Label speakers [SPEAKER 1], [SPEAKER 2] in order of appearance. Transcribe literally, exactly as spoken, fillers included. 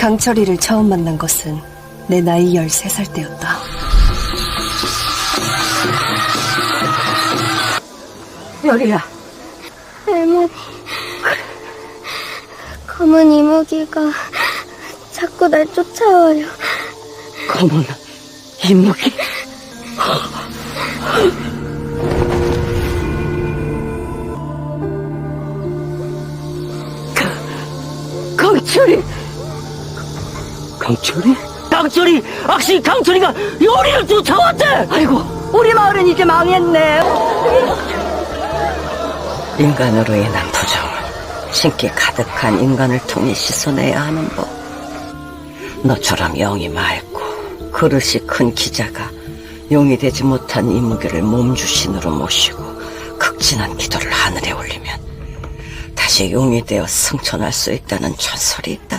[SPEAKER 1] 강철이를 처음 만난 것은 내 나이 열세 살 때였다.
[SPEAKER 2] 별이야.
[SPEAKER 3] 할머니, 검은 이무기가 자꾸 날 쫓아와요.
[SPEAKER 2] 검은 이무기. 강철이. 강철이? 강철이! 악시 강철이가 요리를 쫓아왔대! 아이고, 우리 마을은 이제 망했네. 인간으로 인한 부정은 신기 가득한 인간을 통해 씻어내야 하는 법. 너처럼 영이 맑고 그릇이 큰 기자가 용이 되지 못한 이무기를 몸주신으로 모시고 극진한 기도를 하늘에 올리면 다시 용이 되어 승천할 수 있다는 전설이 있다.